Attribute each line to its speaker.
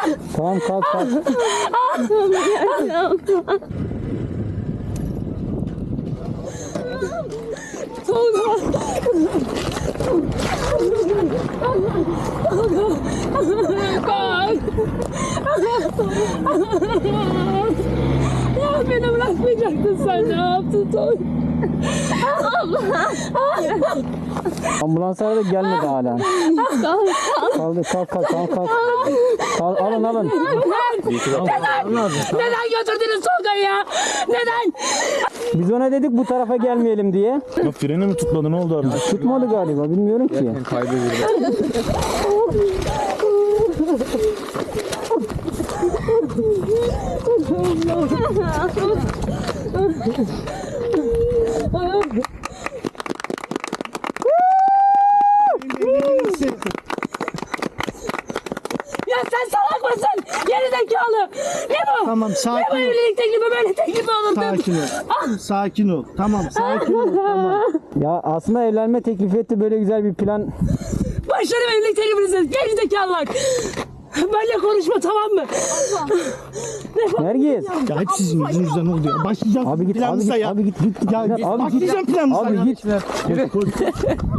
Speaker 1: Tamam kalk kalk.
Speaker 2: Ya beni bırakmayacaktın sen, ne yaptın Tolga?
Speaker 1: Ambulanslar da gelmedi hala. Kaldı kalk kalk kalk kalk. Kalk, alın alın.
Speaker 2: Neden götürdünüz Tolga'yı ya? Neden?
Speaker 1: Biz ona dedik bu tarafa gelmeyelim diye.
Speaker 3: Ya freni mi tutmadı, ne oldu abi?
Speaker 1: Tutmadı galiba bilmiyorum ki.
Speaker 2: Ya sen salak mısın? Geri zekalı. Ne bu?
Speaker 4: Tamam
Speaker 2: Ne bu
Speaker 4: sakin ol.
Speaker 2: evlilik teklifi, böyle teklifi olur mu?
Speaker 4: Sakin ol. Sakin ol. Tamam sakin ol. Tamam.
Speaker 1: Ya aslında evlenme teklif etti, böyle güzel bir plan.
Speaker 2: Başlarım evlilik teklifinizi. Geri zekalılar. Benimle konuşma, tamam mı?
Speaker 1: Nergis.
Speaker 4: Ya hep sizin yüzünüzden oldu ya. Başlayacağım
Speaker 1: Abi git abi
Speaker 4: planınıza
Speaker 1: git
Speaker 4: ya.
Speaker 1: abi git git.
Speaker 4: Ya
Speaker 1: Abi git.
Speaker 4: başlayacağım planınıza
Speaker 1: Abi
Speaker 4: ya.
Speaker 1: git.